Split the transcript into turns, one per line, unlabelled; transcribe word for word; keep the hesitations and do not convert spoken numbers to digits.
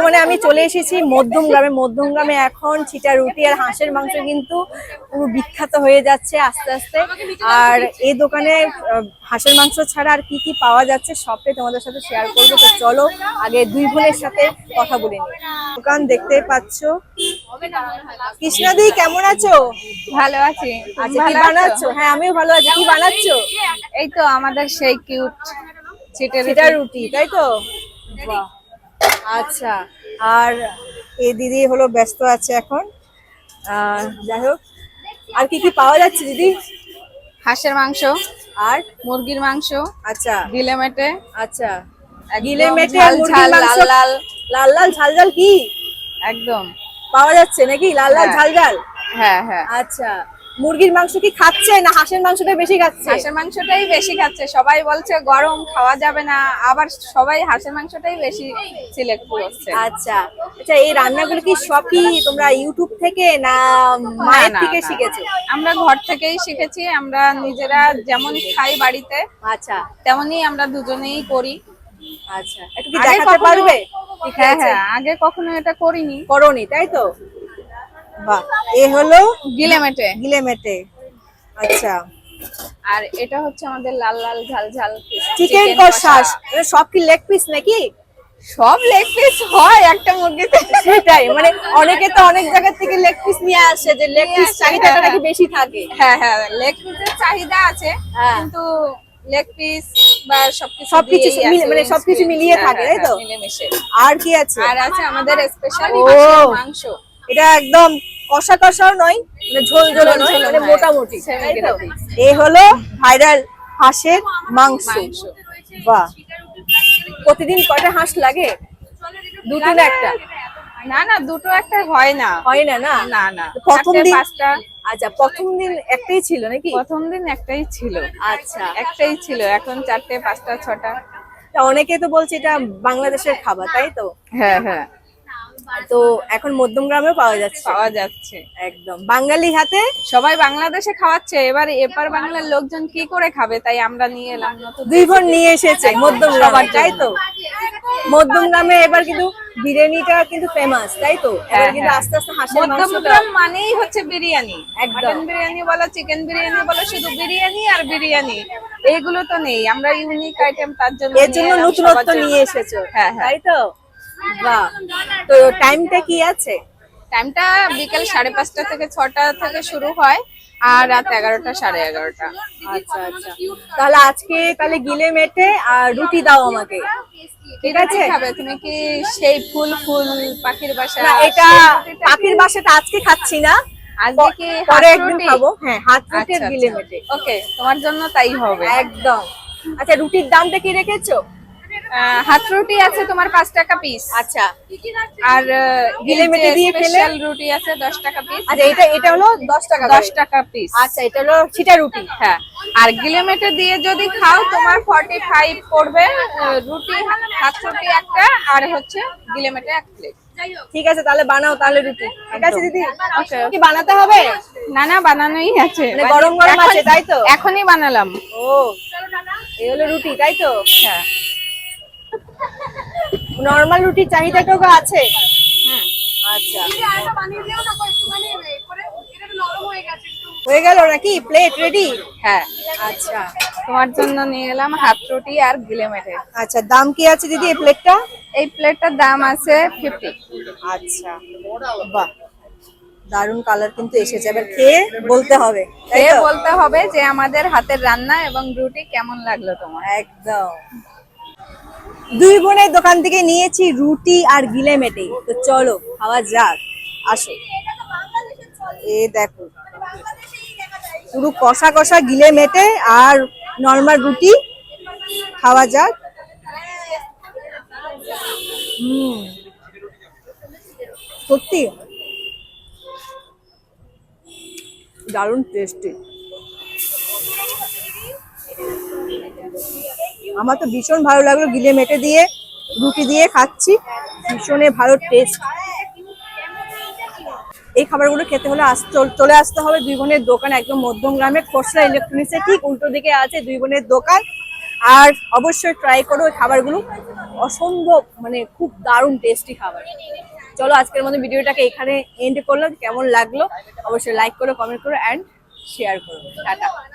বর্তমানে আমি চলে এসেছি মধ্যমগ্রামে। মধ্যমগ্রামে এখন ছিটা রুটি আর হাঁসের মাংস কিন্তু পুরো বিখ্যাত হয়ে যাচ্ছে আস্তে আস্তে। আর এই দোকানে হাঁসের মাংস ছাড়া আর কি কি পাওয়া যাচ্ছে সবটাই তোমাদের সাথে শেয়ার করবো। তো চলো আগে দুই বোনের সাথে কথা বলে নিই। দোকান দেখতে পাচ্ছ। কৃষ্ণাদি কেমন আছো?
ভালো আছি।
আচ্ছা, কি বানাচ্ছো? হ্যাঁ আমিও ভালো আছি। কি বানাচ্ছো?
এই তো আমাদের সেই কিউট
ছিটা রুটি, তাই তো? বাহ, আচ্ছা। আর এই দিদি হলো ব্যস্ত আছে এখন। আহ যাই হোক, আর কি কি পাওয়া যাচ্ছে দিদি?
হাঁসের মাংস
আর
মুরগির মাংস,
আচ্ছা
গিলে মেটে,
আচ্ছা গিলে মেটে
ঝাল
মুরগির
ঝাল
মাংস,
লাল লাল,
লাল লাল ঝাল ঝাল কি
একদম
পাওয়া যাচ্ছে নাকি? লাল লাল
হ্যাঁ।
ঝাল ঝাল,
হ্যাঁ হ্যাঁ।
আচ্ছা। মুরগির মাংস কি খাচ্ছে না হাঁসের মাংসটা বেশি খাচ্ছে?
হাঁসের মাংসটাই বেশি খাচ্ছে, সবাই বলছে গরম খাওয়া যাবে না, আবার সবাই হাঁসের মাংসটাই বেশি সিলেক্ট করছে।
আচ্ছা আচ্ছা, এই রান্নাগুলো কি সব কি তোমরা ইউটিউব থেকে না মায়ের
না,
থেকে
না,
শিখেছো?
আমরা ঘর থেকেই শিখেছি। আমরা নিজেরা যেমন খাই বাড়িতে,
আচ্ছা
তেমনই আমরা দুজনেই করি।
আচ্ছা, একটু কি দেখাতে পারবে?
হ্যাঁ হ্যাঁ, আগে কখনো এটা করিনি।
করনি, তাই তো? বাহ, এ হলো
গিলে মেটে।
গিলে মেটে, আচ্ছা।
আর এটা হচ্ছে আমাদের লাল লাল ঝাল ঝাল
চিকেন কষা। সব কি লেগ পিস নাকি?
সব লেগ পিস হয় একটা মুরগিতে।
সেটাই, মানে অনেকে তো অনেক জায়গা থেকে লেগ পিস নিয়ে আসে, যে লেগ পিস চাহিদাটা নাকি বেশি থাকে।
হ্যাঁ হ্যাঁ, লেগ পিসের চাহিদা আছে,
হ্যাঁ।
কিন্তু লেগ পিস বা সবকিছু
সবকিছু
দিয়েই
মিলে-
আছে,
মানে সবকিছু মিলিয়ে
হ্যাঁ,
থাকে,
হ্যাঁ,
তাই তো?
মিলেমিশে।
আর কি আছে?
আর আছে আমাদের স্পেশাল
ও।
হাঁসের মাংস।
এটা একদম কষা কষাও নয়, মানে ঝোল ঝোল নয়,
ঝোল
মানে
নয়,
মোটামুটি,
semi
তাই তো?
gravy।
এই হলো ভাইরাল হাঁসের মাংস।
মাংস।
বাহ, প্রতিদিন কয়টা হাঁস লাগে? দুটো না একটা?
না না, দুটো একটা হয় না।
হয় না না
না না,
প্রথম
চারটে,
দিন,
পাঁচটা।
আচ্ছা প্রথম দিন একটাই ছিল নাকি?
প্রথম দিন একটাই ছিল।
আচ্ছা,
একটাই ছিল, এখন চারটে, পাঁচটা, ছটা।
তা অনেকে তো বলছে এটা বাংলাদেশের খাবার, তাই তো?
হ্যাঁ হ্যাঁ,
তো এখন মধ্যমগ্রামেও পাওয়া যাচ্ছে?
পাওয়া যাচ্ছে।
একদম বাঙালি হাতে।
সবাই বাংলাদেশে খাওয়াচ্ছে, এবার এপার বাংলার লোকজন কি করে খাবে, তাই আমরা নিয়ে এলাম নতুন।
দুই বোন নিয়ে এসেছে মধ্যমগ্রামে, তাই তো? মধ্যমগ্রামে এবার কিন্তু বিরিয়ানিটা কিন্তু ফেমাস, তাই তো? এবার কিন্তু আস্তে আস্তে হাঁসের মাংসটা,
মধ্যমগ্রাম মানেই হচ্ছে বিরিয়ানি।
একদম।
মটন বিরিয়ানি বলো, চিকেন বিরিয়ানি বলো, শুধু বিরিয়ানি আর বিরিয়ানি, এইগুলো তো নেই। আমরা ইউনিক আইটেম, তার জন্য
এর জন্য নতুনত্ব নিয়ে এসেছো,
হ্যাঁ হ্যাঁ,
তাই তো? বাহ, তো টাইমটা কি আছে?
টাইমটা বিকেল সাড়ে পাঁচটা থেকে ছটা থেকে শুরু হয়, আর রাত এগারোটা, সাড়ে এগারোটা।
আচ্ছা আচ্ছা, তাহলে আজকে তাহলে গিলে মেটে আর রুটি দাও আমাকে, ঠিক আছে?
খাবে তুমি কি সেই ফুল ফুল পাখির বাসা?
না, এটা পাখির বাসাটা আজকে খাচ্ছি না,
আজকে কি
পরে
হাত
একদিন
রুটি?
খাবো। হ্যাঁ, হাত রুটি আর
আচ্ছা,
গিলে
আচ্ছা।
মেটে।
ওকে, তোমার জন্য তাই হবে
একদম। আচ্ছা, রুটির দামটা কি রেখেছো?
আহ, হাত রুটি আছে তোমার পাঁচ টাকা পিস।
আচ্ছা,
আর
গিলে মেটে দিয়ে খেলে
স্পেশাল রুটি আছে দশ টাকা পিস।
আচ্ছা, এটা এটা হলো দশ টাকা
দশ টাকা পিস।
আচ্ছা, এটা হলো ছিটা রুটি।
হ্যাঁ, আর গিলে মেটে দিয়ে যদি খাও তোমার ফর্টি ফাইভ পড়বে। আহ, রুটি, হাত রুটি একটা, আর হচ্ছে গিলে মেটে এক প্লেট।
ঠিক আছে, তাহলে বানাও তাহলে রুটি, ঠিক আছে দিদি?
ওকে,
কি বানাতে হবে?
না না, বানানোই আছে,
মানে গরম গরম আছে, তাই তো?
এখনই বানালাম।
ও, এই হলো রুটি, তাই তো?
হ্যাঁ,
নরমাল রুটির চাহিদাটাও আছে?
হ্যাঁ।
আচ্ছা, হয়ে গেল নাকি? Plate ready?
হ্যাঁ,
আচ্ছা
তোমার জন্য নিয়ে এলাম হাত রুটি আর গিলে মেটে।
আচ্ছা, দাম কি আছে দিদি এই প্লেটটা?
এই প্লেটটার দাম আছে ফিফটি।
আচ্ছা, বাহ, দারুন কালার কিন্তু এসেছে। এবার খেয়ে বলতে হবে, তাই
খেয়ে
তো?
বলতে হবে যে আমাদের হাতের রান্না এবং রুটি কেমন লাগলো তোমার।
একদম। দুই বোনের দোকান থেকে নিয়েছি রুটি আর গিলে মেটে, তো চলো খাওয়া যাক, আসো। এ দেখো, পুরো কষা কষা গিলে মেটে আর নরমাল রুটি, খাওয়া যাক। হুম, সত্যি দারুণ টেস্টি। আমার তো ভীষণ ভালো লাগলো, গিলে মেটে দিয়ে রুটি দিয়ে খাচ্ছি, ভীষণই ভালো টেস্ট। এই খাবারগুলো খেতে হলে চলে আসতে হবে দুই বোনের দোকান, একদম মধ্যমগ্রামে খোসলা ইলেকট্রনিক্সের ঠিক উল্টো দিকে আছে দুই বোনের দোকান। আর অবশ্যই ট্রাই করো ওই খাবারগুলো, অসম্ভব মানে খুব দারুণ টেস্টি খাবার। চলো আজকের মতো ভিডিওটাকে এখানে এন্ড করলাম। কেমন লাগলো অবশ্যই লাইক করো, কমেন্ট করো অ্যান্ড শেয়ার করো। টাটা।